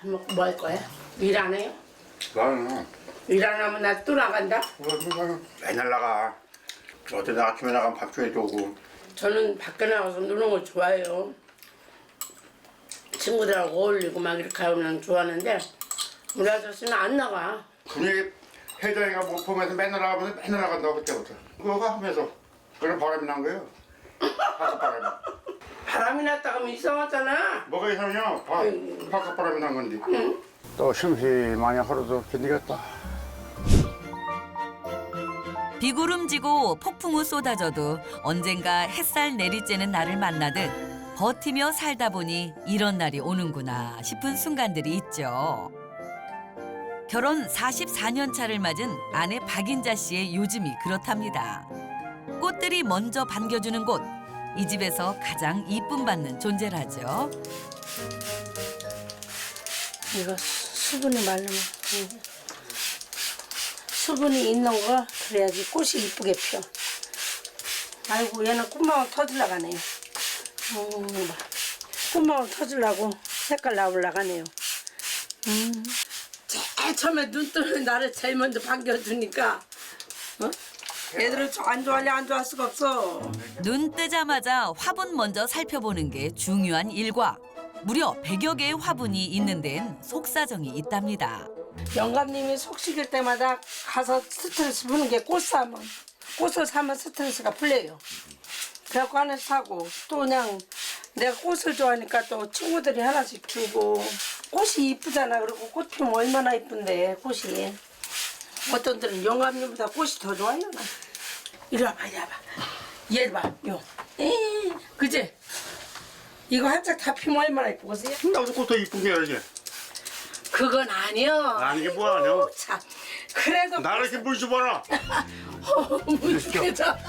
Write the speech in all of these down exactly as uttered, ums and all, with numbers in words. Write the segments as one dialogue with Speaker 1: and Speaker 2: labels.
Speaker 1: 밥 먹고 뭐 할 거야? 일 안 해요?
Speaker 2: 나는
Speaker 1: 일 안 하면 나 또 나간다?
Speaker 2: 맨날 나가. 어제 나 아침에 나가면 밥 줘야 오고.
Speaker 1: 저는 밖에 나가서 노는 걸 좋아해요. 친구들하고 어울리고 막 이렇게 하면 좋아하는데 우리 아저씨는 안 나가.
Speaker 2: 분위기 회장이가 못 보면서 맨날 나가면서 맨날 나간다고 그때부터. 그거 하면서 그런 바람이 난 거예요. 바깥 바람이.
Speaker 1: 바람이 났다 하면 이상하잖아.
Speaker 2: 뭐가 이상해요? 바,
Speaker 1: 아이고.
Speaker 2: 바깥 바람이 난 건데.
Speaker 1: 응?
Speaker 2: 또 심심하니 하루도 견디겠다.
Speaker 3: 비구름지고 폭풍우 쏟아져도 언젠가 햇살 내리쬐는 날을 만나듯 버티며 살다 보니 이런 날이 오는구나 싶은 순간들이 있죠. 결혼 사십사 년 차를 맞은 아내 박인자 씨의 요즘이 그렇답니다. 꽃들이 먼저 반겨주는 곳, 이 집에서 가장 이쁨 받는 존재라죠.
Speaker 1: 이거 수분이 말르면 응. 수분이 있는 거 그래야지 꽃이 이쁘게 펴. 아이고 얘는 꽃망울 터질라 가네요. 어, 봐. 꽃망울 터질라고 색깔 나올라 가네요. 음. 제일 처음에 눈 뜨는 나를 제일 먼저 반겨주니까 어? 애들은 안 좋아할래 안 좋아할 수가 없어.
Speaker 3: 눈 뜨자마자 화분 먼저 살펴보는 게 중요한 일과 무려 백여 개의 화분이 있는 데는 속사정이 있답니다.
Speaker 1: 영감님이 속 시킬 때마다 가서 스트레스 푸는 게 꽃 사면 꽃을 사면 스트레스가 풀려요. 그래갖고 하나 사고 또 그냥 내가 꽃을 좋아하니까 또 친구들이 하나씩 주고 꽃이 이쁘잖아. 그리고 꽃 피면 얼마나 이쁜데 꽃이. 어떤 들은 영감님보다 꽃이 더 좋아요. 나. 이리 와봐 이리 와봐. 얘 봐. 요. 에이, 그지? 이거 한짝 다 피면 얼마나 이쁘겠어요?
Speaker 2: 나도 꽃도 이쁜 게 알지?
Speaker 1: 그건 아니여.
Speaker 2: 아니 이게 뭐야 아니야?
Speaker 1: 참. 그래도
Speaker 2: 나를 이렇게 물 줘봐라.
Speaker 1: 무식해져.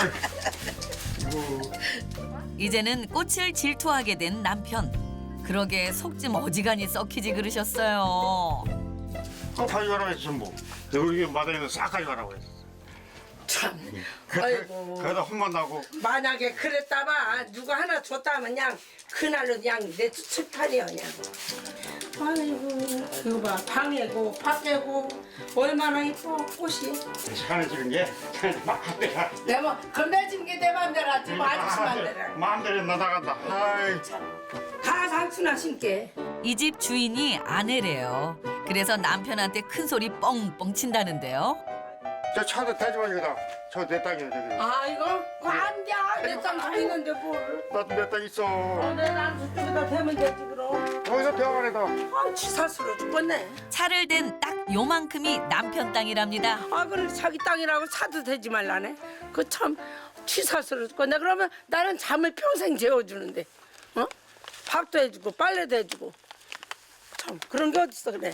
Speaker 3: 이제는 꽃을 질투하게 된 남편. 그러게 속 좀 어지간히 썩히지 그러셨어요.
Speaker 2: 어, 가져가라고 했어 뭐. 여기 마당에 싹 가져가라고 했어.
Speaker 1: 참. 아이고.
Speaker 2: 그러다 혼만 나고.
Speaker 1: 만약에 그랬다마 누가 하나 줬다면 그냥 그날로 그냥 내 칠판이야 그냥. 아이고 이거 봐 방에고 밖에고 얼마나 이뻐 꽃이.
Speaker 2: 시간을 주는 게 마음대로.
Speaker 1: 내가 건배진 게 내 맘대로 하지 뭐 아저씨 맘대로.
Speaker 2: 마음대로 나나간다. 아이.
Speaker 1: 다 상추나 심게.
Speaker 3: 이 집 주인이 아내래요. 그래서 남편한테 큰 소리 뻥뻥 친다는데요.
Speaker 2: 저 차도 대지마 여기다. 저 내 땅이야 저기.
Speaker 1: 아 이거 안돼 내땅 다 있는데 뭘.
Speaker 2: 나도 내 땅 있어.
Speaker 1: 어, 내가 저쪽에다 대면 되지 그럼.
Speaker 2: 거기서 병원에다.
Speaker 1: 아 치사스러워 죽겠네.
Speaker 3: 차를 댄 딱 요만큼이 남편 땅이랍니다.
Speaker 1: 아 그래 자기 땅이라고 사도 되지 말라네. 그 참 치사스러워 죽겠네. 그러면 나는 잠을 평생 재워주는데 어? 밥도 해주고 빨래도 해주고 참 그런 게 어딨어 그래.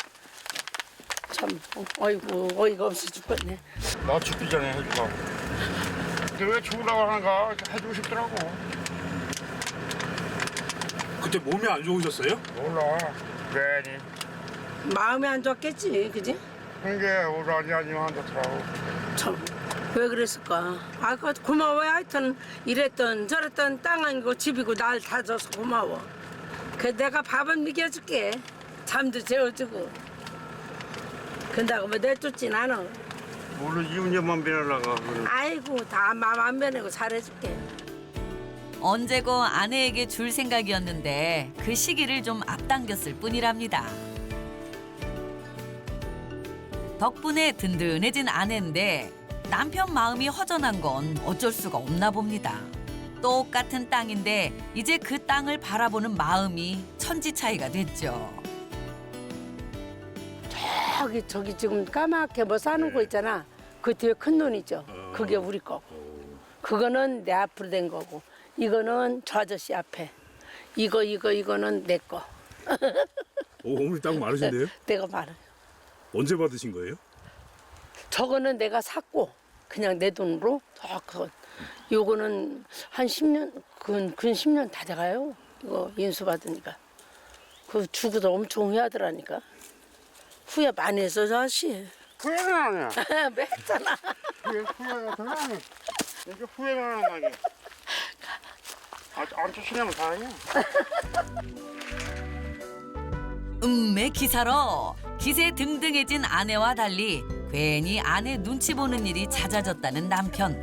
Speaker 1: 참 어, 어이구 어이가 없어 죽겠네.
Speaker 2: 나 죽기 전에 해주고. 근데 왜 죽으라고 하는가 해주고 싶더라고.
Speaker 4: 그때 몸이 안 좋으셨어요?
Speaker 2: 몰라. 괜히.
Speaker 1: 마음이 안 좋았겠지 그지?
Speaker 2: 그게 우라니 아니면 안 좋더라고.
Speaker 1: 참 왜 그랬을까? 아 그 고마워요. 하여튼 이랬던 저랬던 땅 아니고 집이고 날 다 줘서 고마워. 그 내가 밥은 먹여줄게. 잠도 재워주고. 근다고 뭐 내쫓진 않아.
Speaker 2: 물론 이웃녀만 변하려고.
Speaker 1: 아이고 다 마음 안 변하고 잘해줄게.
Speaker 3: 언제고 아내에게 줄 생각이었는데 그 시기를 좀 앞당겼을 뿐이랍니다. 덕분에 든든해진 아내인데 남편 마음이 허전한 건 어쩔 수가 없나 봅니다. 똑같은 땅인데 이제 그 땅을 바라보는 마음이 천지 차이가 됐죠.
Speaker 1: 저기 저기 지금 까맣게 뭐 사는 거 있잖아. 그 뒤에 큰 눈 있죠. 그게 우리 거고. 그거는 내 앞으로 된 거고. 이거는 저 아저씨 앞에. 이거 이거 이거는 내 거.
Speaker 4: 오, 어머니 땅 많으신데요?
Speaker 1: 내가 말해.
Speaker 4: 언제 받으신 거예요?
Speaker 1: 저거는 내가 샀고 그냥 내 돈으로 저 그거. 요거는 한 십 년 근, 근 십 년 다 돼가요. 이거 인수 받으니까. 그 주고도 엄청 후회하더라니까. 후회 많이 했어 저 아저씨.
Speaker 2: 후회는 아니야.
Speaker 1: 왜 했잖아.
Speaker 2: 후회, 후회가 더 나네. 이게 후회가 나는 거 아니야. 아, 안 쫓으려면 다행이야.
Speaker 3: 음매 기사로 기세 등등해진 아내와 달리 괜히 아내 눈치 보는 일이 잦아졌다는 남편.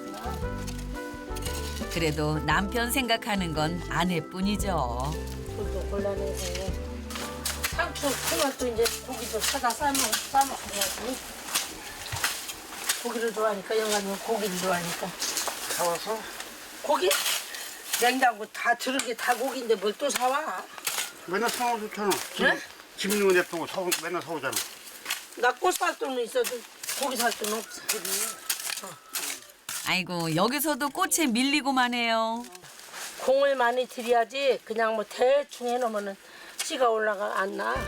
Speaker 3: 그래도 남편 생각하는 건 아내뿐이죠.
Speaker 1: 돈도 곤란해서 상추 토마토 이제 고기도 사다 싸먹 싸먹어야지. 고기를 좋아하니까 영감님 고기를 좋아하니까.
Speaker 2: 사와서?
Speaker 1: 고기? 냉장고 다 들은 게 다 고기인데 뭘 또 사와?
Speaker 2: 맨날 사와 좋잖아.
Speaker 1: 네?
Speaker 2: 집 있는 데 보고 사 맨날 사오잖아.
Speaker 1: 나 꽃 살 돈은 있어도 고기 살 돈은 없어.
Speaker 3: 아이고 여기서도 꽃에 밀리고만 해요.
Speaker 1: 공을 많이 들여야지 그냥 뭐 대충 해놓으면은 씨가 올라가 안 나.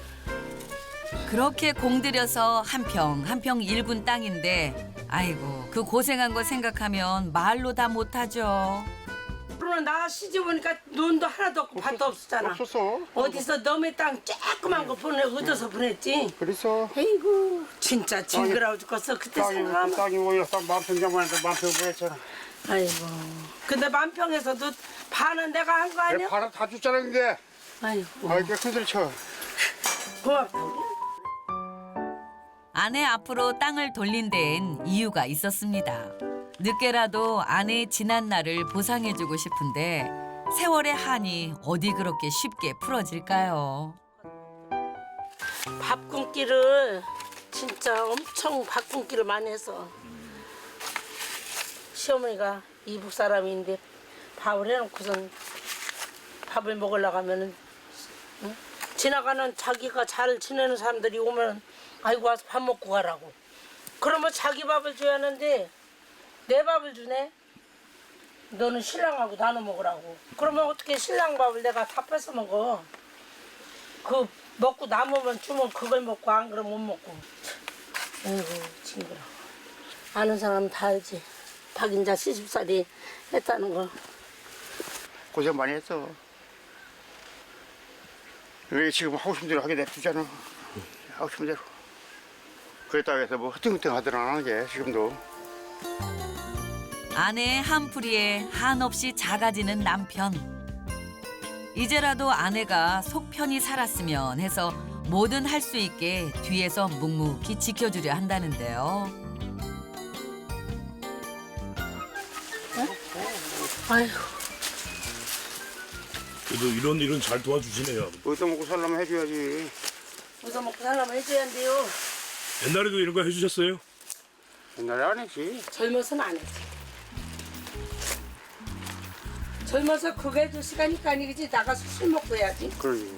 Speaker 3: 그렇게 공들여서 한 평 한 평 일군 땅인데 아이고 그 고생한 거 생각하면 말로 다 못하죠.
Speaker 1: 그러면 나 시집 오니까 눈도 하나도 없고 밭도 없었잖아.
Speaker 2: 없었어.
Speaker 1: 어디서 너의 땅 조그만 거 보내 얻어서 보냈지.
Speaker 2: 그래서
Speaker 1: 에이구 진짜 징그러워 죽겠어. 그때
Speaker 2: 땅이
Speaker 1: 생각하면.
Speaker 2: 땅이 오히려 딱 만평장만 해도 만평 보였잖아.
Speaker 1: 아이고. 근데 만평에서도 반은 내가 한 거 아니야?
Speaker 2: 바람 다 줬잖아 근데.
Speaker 1: 아이고.
Speaker 2: 아 이렇게 큰소리 쳐.
Speaker 1: 고맙다.
Speaker 3: 아내 앞으로 땅을 돌린 데엔 이유가 있었습니다. 늦게라도 아내의 지난 날을 보상해주고 싶은데 세월의 한이 어디 그렇게 쉽게 풀어질까요?
Speaker 1: 밥 굶기를 진짜 엄청 밥 굶기를 많이 해서 시어머니가 이북 사람인데 밥을 해놓고선 밥을 먹으려고 하면은 응? 지나가는 자기가 잘 지내는 사람들이 오면 아이고 와서 밥 먹고 가라고. 그러면 자기 밥을 줘야 하는데 내 밥을 주네. 너는 신랑하고 나눠 먹으라고. 그러면 어떻게 신랑 밥을 내가 다 뺏어 먹어. 그 먹고 남으면 주면 그걸 먹고 안 그러면 못 먹고. 아이고 징그러워. 아는 사람은 다 알지. 박인자 시집살이 했다는 거.
Speaker 2: 고생 많이 했어. 왜 지금 하고 싶은 대로 하게 냅두잖아. 하고 싶은 대로. 그랬다고 해서 뭐 흐팅흐팅 하더안 하는 게 지금도.
Speaker 3: 아내의 한풀이에 한없이 작아지는 남편. 이제라도 아내가 속 편히 살았으면 해서 뭐든 할 수 있게 뒤에서 묵묵히 지켜주려 한다는데요.
Speaker 1: 아이고.
Speaker 4: 그래도 이런 일은 잘 도와주시네요.
Speaker 2: 어디다 먹고 살려면 해줘야지.
Speaker 1: 우선 먹고 살려면 해줘야 한대요.
Speaker 4: 옛날에도 이런 거 해주셨어요?
Speaker 2: 옛날에 안 했지.
Speaker 1: 젊어서는 안 했지. 젊어서 그거 해줄 시간이니까 아니겠지. 나가서 술 먹고 해야지.
Speaker 2: 그러지.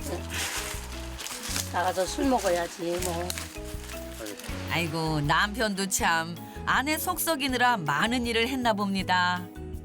Speaker 1: 나가서 술 먹어야지 뭐.
Speaker 3: 아이고 남편도 참 아내 속 썩이느라 많은 일을 했나 봅니다.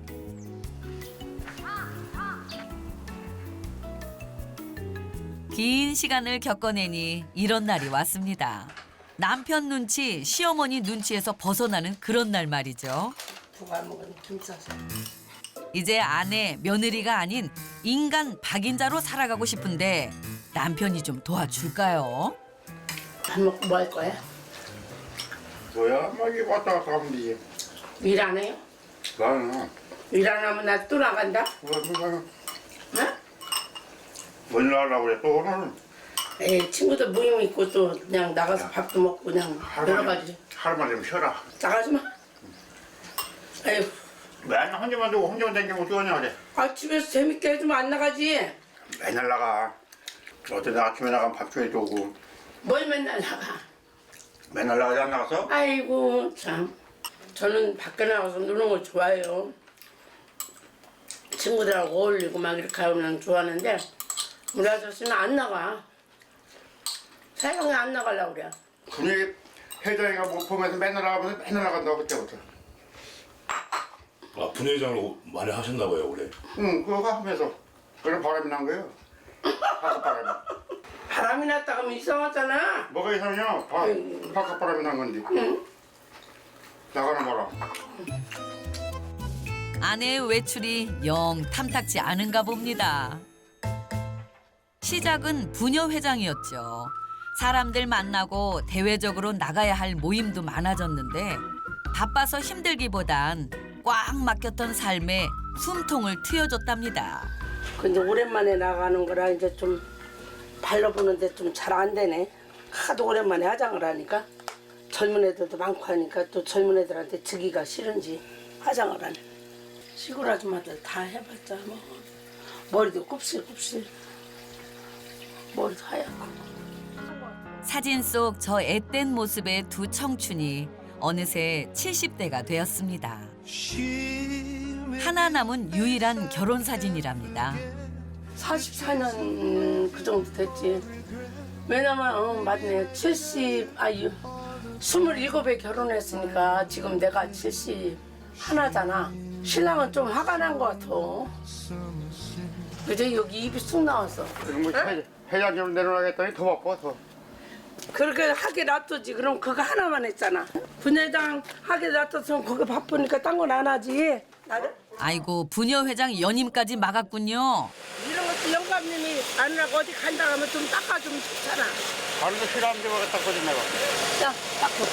Speaker 3: 긴 시간을 겪어내니 이런 날이 왔습니다. 남편 눈치, 시어머니 눈치에서 벗어나는 그런 날 말이죠.
Speaker 1: 누가 먹은 김싸서.
Speaker 3: 이제 아내, 며느리가 아닌 인간 박인자로 살아가고 싶은데 남편이 좀 도와줄까요?
Speaker 1: 밥 먹고 뭐 할 거야?
Speaker 2: 뭐야? 막 이렇게 왔다 갔다 하면 되지.
Speaker 1: 일 안 해요?
Speaker 2: 나는
Speaker 1: 일 안 하면 나 또 나간다?
Speaker 2: 뭐 그냥
Speaker 1: 응?
Speaker 2: 뭘 나가려고 그래 또 오늘.
Speaker 1: 에이 친구들 모임 있고 또 그냥 나가서 밥도 먹고 그냥 여러 가지.
Speaker 2: 하루만 좀 쉬어라.
Speaker 1: 나가지 마. 에휴.
Speaker 2: 맨날 혼자만 두고 혼자만 다니면 어떡하냐 그래.
Speaker 1: 아 집에서 재밌게 해주면 안 나가지.
Speaker 2: 맨날 나가. 어제 아침에 나가면 밥 줘야 오고.
Speaker 1: 뭘 맨날 나가.
Speaker 2: 맨날 나가지 안 나가서?
Speaker 1: 아이고 참. 저는 밖에 나가서 노는 걸 좋아해요. 친구들하고 어울리고 막 이렇게 하면 좋아하는데 우리 아저씨는 안 나가. 세상에 안 나가려고 그래.
Speaker 2: 분위기 회장이가 못 보면서 맨날 나가면서 맨날 나간다고 그때부터.
Speaker 4: 아 분회장을 많이 하셨나 봐요 올해.
Speaker 2: 응 그거 하면서 그런 바람이 난 거예요. 바깥 바람이.
Speaker 1: 바람이 났다 가면 이상하잖아.
Speaker 2: 뭐가 이상하냐? 바, 바깥 바람이 난 건데.
Speaker 1: 응.
Speaker 2: 나가는 바람.
Speaker 3: 아내의 외출이 영 탐탁지 않은가 봅니다. 시작은 부녀 회장이었죠. 사람들 만나고 대외적으로 나가야 할 모임도 많아졌는데 바빠서 힘들기보단 꽉 막혔던 삶에 숨통을 트여줬답니다.
Speaker 1: 근데 오랜만에 나가는 거라 이제 좀 발라보는데 좀 잘 안 되네. 하도 오랜만에 화장을 하니까 젊은 애들도 많고 하니까 또 젊은 애들한테 지기가 싫은지 화장을 하네. 시골 아줌마들 다 해봤자 뭐 머리도 곱슬곱슬 머리도 하얗고.
Speaker 3: 사진 속 저 앳된 모습의 두 청춘이 어느새 칠십 대가 되었습니다. 하나 남은 유일한 결혼 사진이랍니다.
Speaker 1: 사십사 년 그 정도 됐지. 왜냐면 어, 맞네. 칠십 아유 스물일곱에 결혼했으니까 지금 내가 칠십 하나잖아. 신랑은 좀 화가 난 것 같아. 그제 여기 입이 쑥 나왔어.
Speaker 2: 그럼 뭐 회- 회장 좀 내려놔겠더니 더 바빠 더.
Speaker 1: 그렇게 하게 놔두지. 그럼 그거 하나만 했잖아. 분회장 하게 놔뒀으면 그거 바쁘니까 딴 건 안 하지. 나를?
Speaker 3: 아이고 부녀 회장 연임까지 막았군요.
Speaker 1: 이런 것도 영감님이 아니라고 어디 간다 하면 좀 닦아주면 좋잖아.
Speaker 2: 다른 거 싫어하는데 왜 닦아줘 내가.
Speaker 1: 자, 닦고.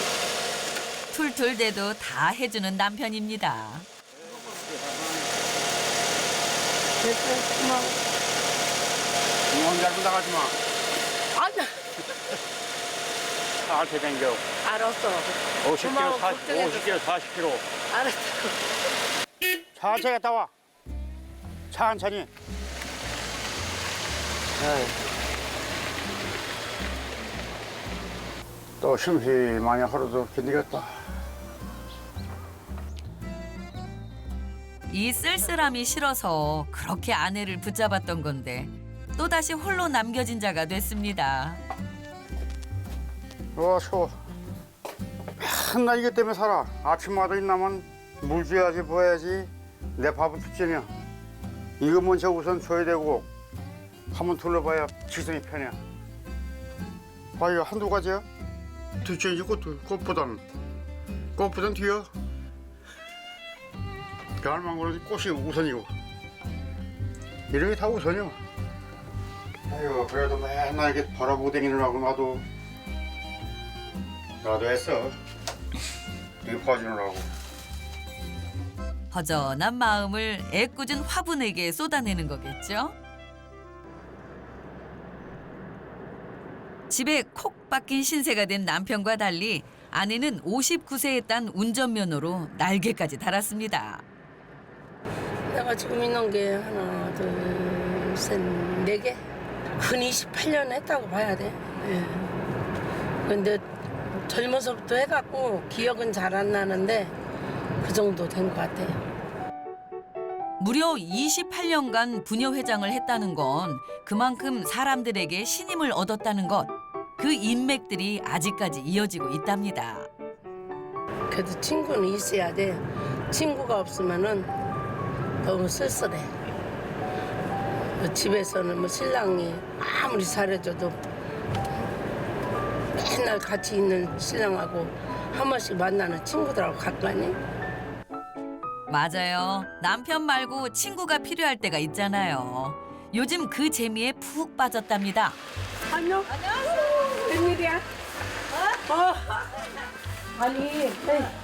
Speaker 3: 툴툴대도 다 해주는 남편입니다.
Speaker 1: 됐어, 고마워.
Speaker 2: 너 혼자 나가지 마.
Speaker 1: 아니야.
Speaker 2: 나한테 댕겨.
Speaker 1: 알았어.
Speaker 2: 오십 킬로그램,
Speaker 1: 고마워,
Speaker 2: 사십,
Speaker 1: 걱정해줘서.
Speaker 2: 오십 킬로그램, 사십 킬로그램.
Speaker 1: 알았어.
Speaker 2: 천천히 갔다 와. 천천히. 에이. 또 심심하니 하루도 견디겠다.
Speaker 3: 이 쓸쓸함이 싫어서 그렇게 아내를 붙잡았던 건데 또다시 홀로 남겨진 자가 됐습니다.
Speaker 2: 어, 추워. 맨날 이것 때문에 살아. 아침마다 일나면 물 줘야지, 뭐 해야지. 내 밥은 특전이야. 이거 먼저 우선 줘야 되고 한번 둘러봐야 지성이 편해. 아, 이거 한두 가지야? 둘째이지 꽃도, 꽃보다는. 꽃보단 뒤야. 별망고는 꽃이 우선이고. 이런 게 다 우선이야. 아이고, 그래도 맨날 이렇게 바라보고 다니느라고 나도 나도 했어. 이거 봐주느라고.
Speaker 3: 허전한 마음을 애꿎은 화분에게 쏟아내는 거겠죠? 집에 콕 박힌 신세가 된 남편과 달리 아내는 오십구 세에 딴 운전면허로 날개까지 달았습니다.
Speaker 1: 내가 지금 있는 게 하나, 둘, 셋, 네 개? 근 이십팔 년 했다고 봐야 돼. 예. 근데 젊어서부터 해갖고 기억은 잘 안 나는데 그 정도 된 것 같아요.
Speaker 3: 무려 이십팔 년간 부녀 회장을 했다는 건 그만큼 사람들에게 신임을 얻었다는 것. 그 인맥들이 아직까지 이어지고 있답니다.
Speaker 1: 그래도 친구는 있어야 돼. 친구가 없으면은 너무 쓸쓸해. 집에서는 뭐 신랑이 아무리 잘해줘도 맨날 같이 있는 신랑하고 한 번씩 만나는 친구들하고 가까니?
Speaker 3: 맞아요. 남편 말고 친구가 필요할 때가 있잖아요. 요즘 그 재미에 푹 빠졌답니다.
Speaker 1: 안녕. 안녕하세요. 웬일이야? 어? 어. 아니, 에이.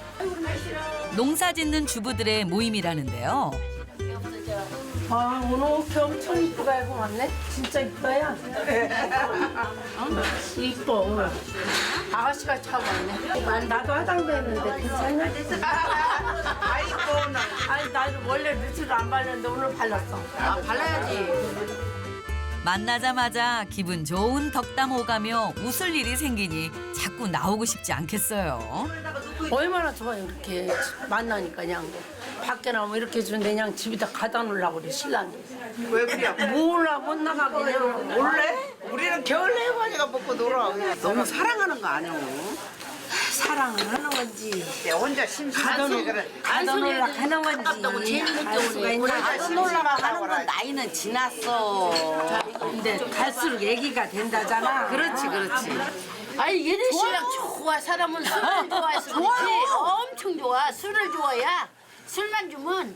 Speaker 3: 농사 짓는 주부들의 모임이라는데요.
Speaker 1: 아, 오늘 옷이 엄청 이쁘게 입고 왔네? 진짜 이뻐요? 응? 이뻐, 오늘. 아가씨가 차고 왔네. 아니, 나도 화장도 했는데 괜찮냐? 아이고, 나. 아니, 나도 원래 루트를 안 바르는데 오늘 발랐어. 아, 발라야지.
Speaker 3: 만나자마자 기분 좋은 덕담 오가며 웃을 일이 생기니 자꾸 나오고 싶지 않겠어요.
Speaker 1: 얼마나 좋아요, 이렇게 만나니까 그냥. 밖에 나오면 이렇게 주는데 그냥 집에다 가다 놓으려고 그래, 신랑이.
Speaker 5: 왜 그래?
Speaker 1: 몰라, 못 나가, 그냥.
Speaker 5: 원래? 우리는 겨울 해바지가 먹고 놀아. 너무 사랑하는 거 아니야?
Speaker 1: 사랑을 하는 건지.
Speaker 5: 혼자 심심한데 그래.
Speaker 1: 가다 놓으려 하는 건지. 알 수가 있냐?
Speaker 5: 가서 놀러가 가는 건
Speaker 6: 나이는 지났어.
Speaker 1: 근데 갈수록 얘기가 된다잖아.
Speaker 6: 그렇지, 그렇지.
Speaker 7: 아니 얘네 신랑 좋아. 사람은 술을 좋아해서 그렇지. 엄청 좋아. 술을 좋아야 술만 주면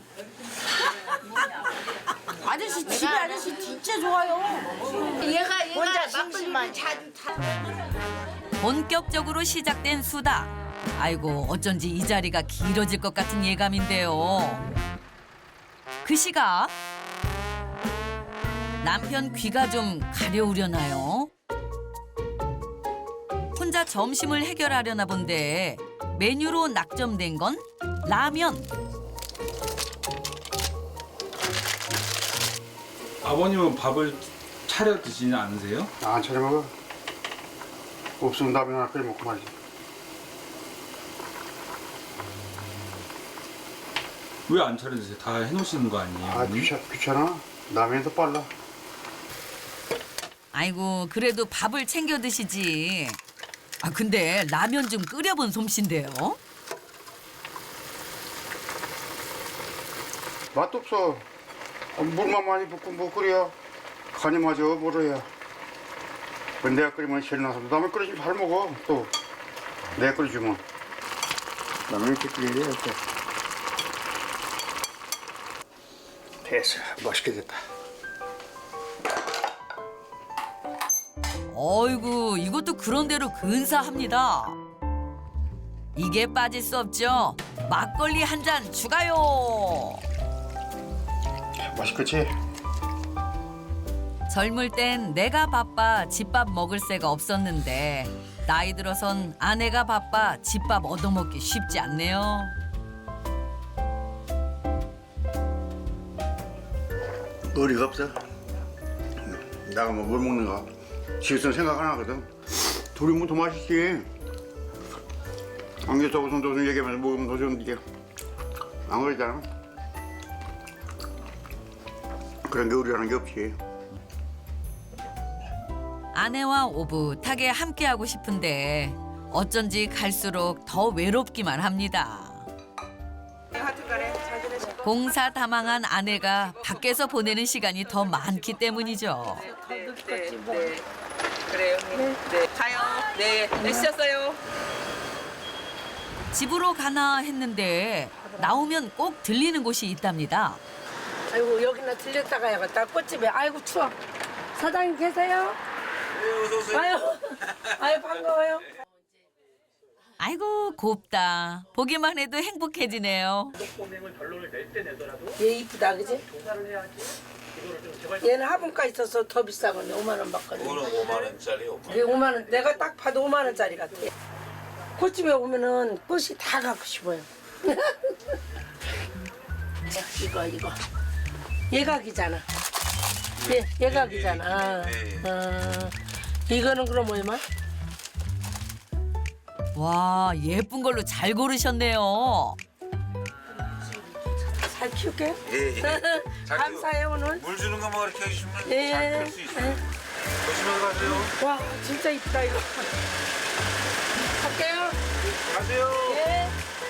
Speaker 6: 아저씨 집에 아저씨 진짜 좋아요.
Speaker 7: 얘가 얘가
Speaker 5: 혼자
Speaker 7: 막걸리를
Speaker 5: 심심한.
Speaker 7: 자주 타.
Speaker 3: 본격적으로 시작된 수다. 아이고 어쩐지 이 자리가 길어질 것 같은 예감인데요. 그 시각 남편 귀가 좀 가려우려나요? 혼자 점심을 해결하려나 본데 메뉴로 낙점된 건 라면.
Speaker 8: 아버님은 밥을 차려 드시지 않으세요?
Speaker 2: 안 차려 먹어. 없으면 라면 하나 끓여 먹고 말이지.
Speaker 8: 왜 안 차려 드세요? 다 해놓으시는 거 아니에요?
Speaker 2: 아
Speaker 8: 어머니?
Speaker 2: 귀찮, 귀찮아. 라면이 더 빨라.
Speaker 3: 아이고 그래도 밥을 챙겨 드시지. 아 근데 라면 좀 끓여본 솜씨인데요.
Speaker 2: 맛도 없어. 물만 많이 붓고 뭐 끓여. 간이 맞아 뭐로야. 내가 끓이면 실나서 남을 끓여주면 잘 먹어. 또 내가 끓여주면 라면 이렇게 끓여야 돼. 됐어. 맛있게 됐다.
Speaker 3: 어이구 이것도 그런대로 근사합니다. 이게 빠질 수 없죠. 막걸리 한 잔 추가요.
Speaker 2: 맛있겠지?
Speaker 3: 젊을 땐 내가 바빠 집밥 먹을 새가 없었는데 나이 들어선 아내가 바빠 집밥 얻어먹기 쉽지 않네요.
Speaker 2: 의리가 없어. 내가 뭐 뭘 먹는가 지금 생각 안 하거든. 둘이 먹으면 더 맛있지. 안겨서 우선 도선 얘기하면서 먹으면 더 좋은데 안 그러잖아. 그런 게 의리라는 게 없지.
Speaker 3: 아내와 오붓하게 함께하고 싶은데 어쩐지 갈수록 더 외롭기만 합니다. 공사다망한 아내가 밖에서 보내는 시간이 더 많기 때문이죠.
Speaker 9: 그래요. 네. 가요. 네. 네, 쉬었어요.
Speaker 3: 집으로 가나 했는데 나오면 꼭 들리는 곳이 있답니다.
Speaker 1: 아이고 여기나 들렸다 가야겠다. 꽃집에. 아이고 추워. 사장님 계세요? 네, 어서 오세요. 아유, 아유 반가워요.
Speaker 3: 아이고 곱다. 보기만 해도 행복해지네요.
Speaker 1: 얘 이쁘다 그지? 얘는 화분가 있어서 더 비싸거든. 오만 원 받거든.
Speaker 10: 이거는 오만 원짜리 오만 원.
Speaker 1: 얘 오만 원. 내가 딱 봐도 오만 원짜리 같아. 꽃집에 오면은 꽃이 다 갖고 싶어요. 이거 이거. 예각이잖아. 예, 예각이잖아. 어, 이거는 그럼 얼마?
Speaker 3: 와 예쁜 걸로 잘 고르셨네요.
Speaker 1: 잘 키울게요.
Speaker 10: 예, 예. 잘
Speaker 1: 감사해요 오늘.
Speaker 10: 물 주는 거 뭐 이렇게 해주시면
Speaker 1: 예.
Speaker 10: 잘 키울 수 있어요. 조심해서 가세요.
Speaker 1: 와 진짜 이쁘다 이거. 갈게요.
Speaker 10: 가세요.
Speaker 1: 예.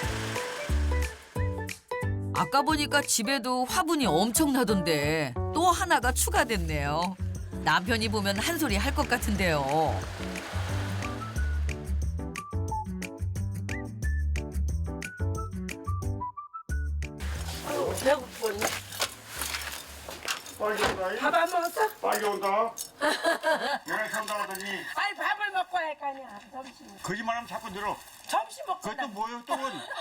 Speaker 3: 아까 보니까 집에도 화분이 엄청나던데 또 하나가 추가됐네요. 남편이 보면 한 소리 할 것 같은데요.
Speaker 1: 배고프네. 밥 안 먹었어?
Speaker 2: 빨리 온다. 연애 산다 하더니
Speaker 1: 아니 밥을 먹고 할 거 아니야. 점심.
Speaker 2: 거짓말하면 자꾸 늘어.
Speaker 1: 점심 먹고
Speaker 2: 그것도
Speaker 1: 나
Speaker 2: 뭐예요 또?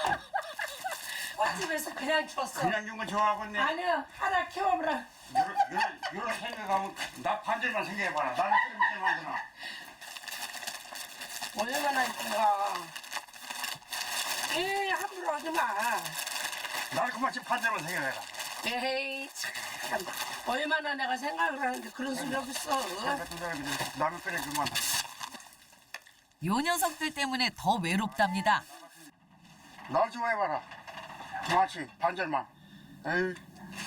Speaker 1: 꽃집에서 그냥 줬어.
Speaker 2: 그냥 준 건 좋아하고 있네.
Speaker 1: 아니야 하나 키워보라.
Speaker 2: 이런, 이런, 이런 생각하면 나 반절만 생각해봐라. 나는 끓이면 되나.
Speaker 1: 얼마나 이쁜가. 에이 함부로 하지 마.
Speaker 2: 나는 그만 지금 반절만 생각해라.
Speaker 1: 에이 참 얼마나 내가 생각을 하는데 그런 소리 없어.
Speaker 2: 같은 사람이 남의 끓여주면
Speaker 3: 요 녀석들 때문에 더 외롭답니다.
Speaker 2: 날 좋아해봐라. 그만치 반절만. 에이.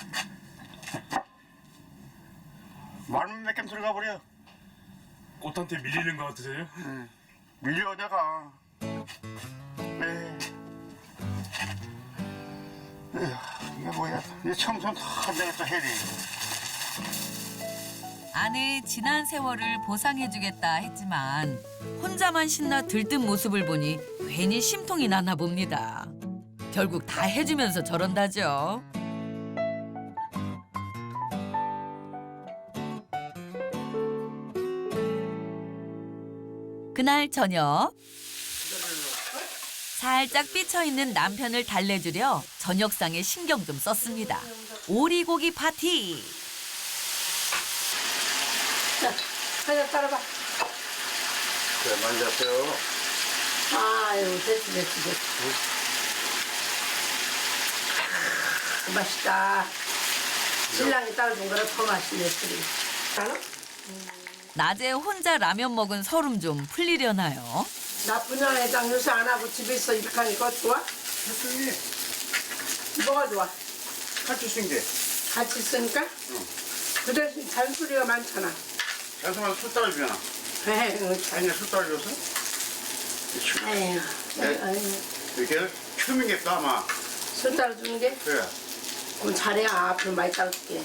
Speaker 2: 말만 몇 개 들어가 버려.
Speaker 4: 꽃한테 밀리는 거 같으세요?
Speaker 2: 응. 밀려 내가. 에이. 에휴, 이게 뭐야? 이 청소는 다 내가 또 해야 돼.
Speaker 3: 아내의 지난 세월을 보상해주겠다 했지만 혼자만 신나 들뜬 모습을 보니 괜히 심통이 나나 봅니다. 결국 다 해주면서 저런다죠. 그날 저녁 살짝 삐쳐있는 남편을 달래주려 저녁상에 신경 좀 썼습니다. 오리고기 파티.
Speaker 1: 하나 따라봐.
Speaker 2: 그래, 많이 잤어요.
Speaker 1: 아유, 됐지, 됐지, 됐지. 아, 맛있다. 신랑이 따라준 거라 더 맛있네, 술이. 알아?
Speaker 3: 낮에 혼자 라면 먹은 서름 좀 풀리려나요?
Speaker 1: 나쁜 애장 요새 안 하고 집에 있어 이렇게 하니까 좋아?
Speaker 2: 사촌이
Speaker 1: 뭐가 좋아?
Speaker 2: 같이 쓴 게.
Speaker 1: 같이 있으니까? 그 대신 잔소리가 많잖아.
Speaker 2: 자수만 술 따라주잖아.
Speaker 1: 에휴, 잘.
Speaker 2: 아니, 술 따라줘서?
Speaker 1: 에휴,
Speaker 2: 네.
Speaker 1: 에휴.
Speaker 2: 이렇게 춤이겠다, 아마.
Speaker 1: 술 따라주는 게?
Speaker 2: 그래.
Speaker 1: 그럼 잘해. 앞으로 많이 따라줄게.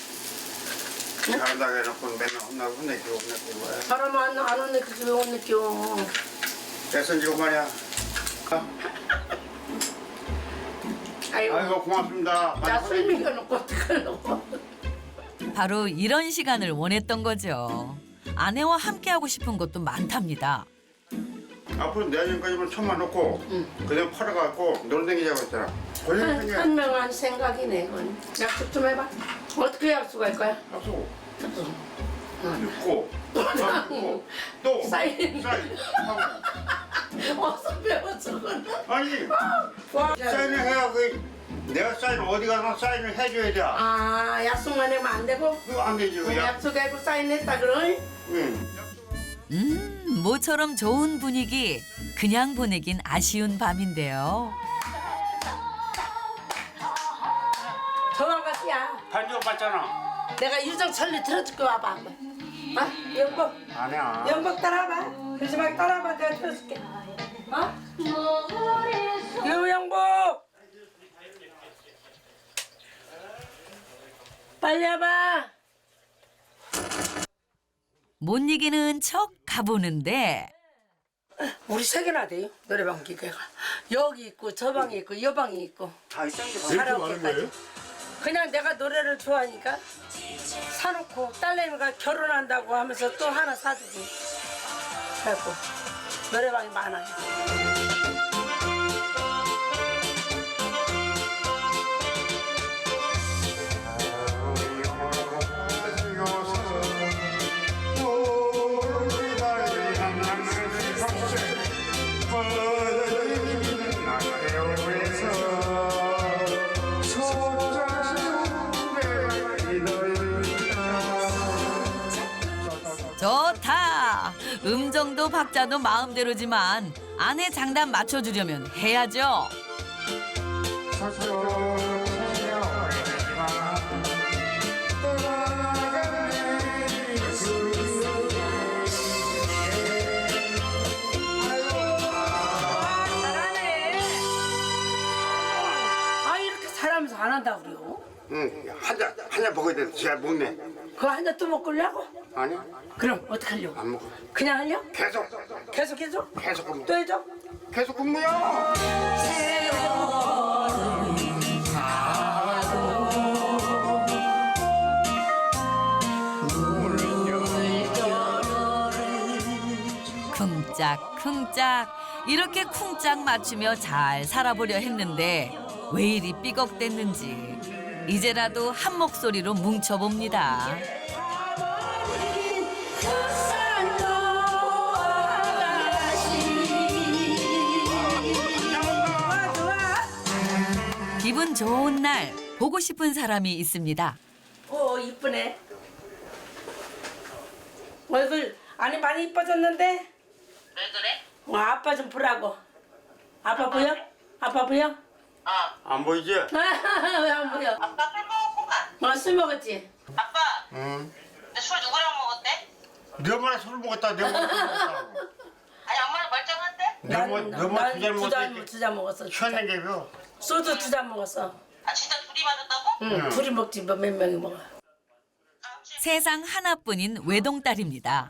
Speaker 2: 잘한다고 해놓고 맨날 혼나고 혼내키고 혼내키고 해.
Speaker 1: 사람 안, 안 혼내키지 왜 혼내켜.
Speaker 2: 애쓴지고 말이야.
Speaker 1: 아이고,
Speaker 2: 아이고, 고맙습니다. 많이
Speaker 1: 나술
Speaker 2: 혼내-
Speaker 1: 먹여놓고 어떡하려고.
Speaker 3: 바로 이런 시간을 원했던 거죠. 아내와 함께하고 싶은 것도 많답니다.
Speaker 2: 앞으로 내년까지만 천만 놓고 그냥 팔아갖고 놀댕기자고 했잖아. 권리
Speaker 1: 한,
Speaker 2: 생겨.
Speaker 1: 한 명한 생각이네, 그건. 약속 좀 해봐. 어떻게 약속할 거야?
Speaker 2: 약속.
Speaker 1: 약속.
Speaker 2: 있고 또 또
Speaker 1: 사인.
Speaker 2: 사인 하고.
Speaker 1: 어서 배웠어, 그건.
Speaker 2: 아니
Speaker 1: 와.
Speaker 2: 사인을 해야 그 내가 사인 어디 가나 사인을 해줘야 돼.
Speaker 1: 아, 약속만 하면 안 되고?
Speaker 2: 그거 안 되지.
Speaker 1: 그럼
Speaker 2: 야.
Speaker 1: 약속하고 사인했다, 그럼?
Speaker 2: 응.
Speaker 3: 음, 모처럼 좋은 분위기. 그냥 보내긴 아쉬운 밤인데요.
Speaker 1: 도망갔야.
Speaker 2: 반지 받잖아.
Speaker 1: 내가 유정철리 들어줄게, 와봐, 한번. 아, 영복.
Speaker 2: 아니야.
Speaker 1: 영복 따라와봐. 그러지 말고 따라와봐. 내가 들어줄게. 어? 유영복! 빨리 와봐.
Speaker 3: 못 이기는 척 가보는데
Speaker 1: 우리 세 개나 돼요, 노래방 기계가. 여기 있고, 저 방에 있고, 이 방에 있고.
Speaker 2: 다 있던 게
Speaker 1: 카라오케까지. 그냥 내가 노래를 좋아하니까 사놓고 딸내미가 결혼한다고 하면서 또 하나 사주고. 그래갖고 노래방이 많아요.
Speaker 3: 좋다. 음정도 박자도 마음대로지만 아내 장단 맞춰주려면 해야죠.
Speaker 1: 잘하네. 아, 이렇게 잘하면서 안 한다 그래요?
Speaker 2: 응. 한잔 한잔 먹어야 돼. 잘 먹네.
Speaker 1: 그거 한 잔 또 먹고 려고?
Speaker 2: 아니
Speaker 1: 그럼 어떻게 하려고?
Speaker 2: 안 먹어.
Speaker 1: 그냥 하려?
Speaker 2: 계속
Speaker 1: 계속 해줘?
Speaker 2: 계속 근무.
Speaker 1: 또 해줘?
Speaker 2: 계속 근무야.
Speaker 3: 쿵짝쿵짝 이렇게 쿵짝 맞추며 잘 살아보려 했는데 왜 이리 삐걱댔는지 이제라도 한 목소리로 뭉쳐봅니다. 기분 좋은 날 보고 싶은 사람이 있습니다.
Speaker 1: 오, 이쁘네. 얼굴 아니 많이 이뻐졌는데?
Speaker 7: 왜 그래?
Speaker 1: 어, 아빠 좀 보라고. 아빠 보여? 아빠 보여?
Speaker 2: 안 보이지?
Speaker 1: 왜 안 보여?
Speaker 7: 아빠 술 먹었구만.
Speaker 1: 어, 술 먹었지?
Speaker 7: 아빠,
Speaker 2: 응.
Speaker 7: 근데 술 누구랑 먹었대?
Speaker 2: 네 엄마랑 술 먹었다. 네 엄마랑 술 먹었다고.
Speaker 7: 아니 엄마는 멀쩡한데?
Speaker 2: 네 엄마 네 엄마 두잔
Speaker 1: 두 잔,
Speaker 2: 먹었다.
Speaker 1: 두 잔 먹었어.
Speaker 2: 취한 게요.
Speaker 1: 소주 두 잔 먹었어.
Speaker 7: 아 진짜 둘이 맞았다고?
Speaker 1: 응, 둘이 먹지 뭐 몇 명이 먹어.
Speaker 3: 세상 하나뿐인 외동딸입니다.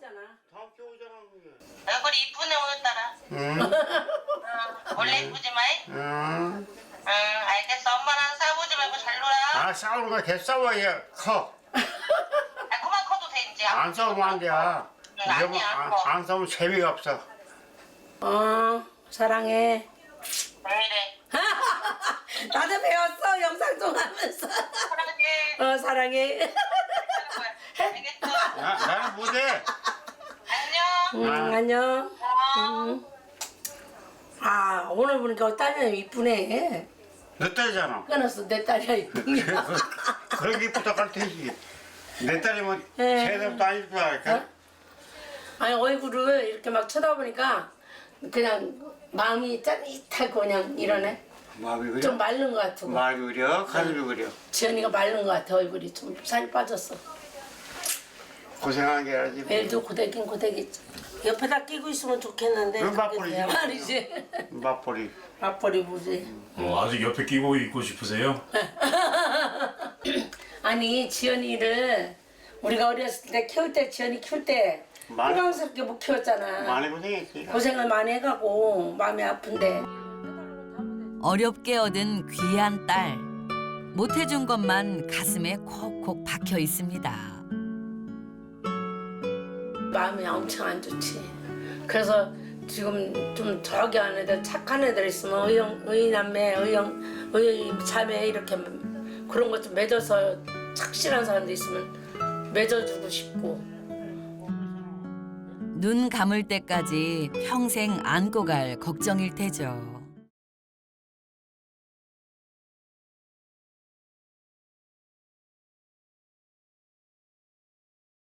Speaker 7: 얼굴이 이쁘네 오늘따라.
Speaker 2: 응.
Speaker 7: 응, 원래 이쁘지 마이?
Speaker 2: 응.
Speaker 7: 응 알겠어. 엄마랑 싸우지 말고 잘 놀아.
Speaker 2: 아 싸우는 거 개 싸워야 커.
Speaker 7: 아 그만 커도 돼 이제.
Speaker 2: 안 싸우면 안 돼.
Speaker 7: 응, 아니야,
Speaker 2: 안,
Speaker 7: 커.
Speaker 2: 안 싸우면 재미가 없어.
Speaker 1: 어, 사랑해.
Speaker 7: 왜 이래?
Speaker 1: 나도 배웠어, 영상통하면서.
Speaker 7: 사랑해.
Speaker 1: 어, 사랑해.
Speaker 7: 알겠어.
Speaker 2: 나, 나는 못해.
Speaker 1: 응, 안녕. 응. 아, 오늘 보니까 딸이 이쁘네.
Speaker 2: 내 딸이잖아.
Speaker 1: 끊었어, 내 딸이야, 이쁘네.
Speaker 2: 그런 게 부탁할 테지. 내 딸이면
Speaker 1: 네.
Speaker 2: 세대부터 아닐 줄 알까?
Speaker 1: 어? 아니, 얼굴을 이렇게 막 쳐다보니까 그냥 마음이 짜릿하고 그냥 이러네.
Speaker 2: 마음이 그래?
Speaker 1: 좀 마른 것 같고.
Speaker 2: 마음이 그려? 가슴이 그려?
Speaker 1: 지연이가 마른 것 같아, 얼굴이. 좀 살이 빠졌어.
Speaker 2: 고생한 게 아니지.
Speaker 1: 매일도 고데긴 고데기지. 옆에다 끼고 있으면 좋겠는데.
Speaker 2: 그럼
Speaker 1: 그게
Speaker 2: 맞벌이지.
Speaker 1: 돼야 말이지.
Speaker 2: 맞벌이.
Speaker 1: 맞벌이 보지.
Speaker 4: 어, 아직 옆에 끼고 있고 싶으세요?
Speaker 1: 아니, 지연이를 우리가 어렸을 때 키울 때, 지연이 키울 때
Speaker 2: 많이-
Speaker 1: 호강스럽게 못 키웠잖아.
Speaker 2: 많이 고생했지.
Speaker 1: 고생을 많이 해가고 마음이 아픈데.
Speaker 3: 어렵게 얻은 귀한 딸. 못해준 것만 가슴에 콕콕 박혀 있습니다.
Speaker 1: 마음이 엄청 안 좋지. 그래서 지금 좀 저기 한 애들 착한 애들 있으면 의형, 의남매, 의형, 의 자매 이렇게 그런 것 좀 맺어서 착실한 사람들 있으면 맺어주고 싶고.
Speaker 3: 눈 감을 때까지 평생 안고 갈 걱정일 테죠.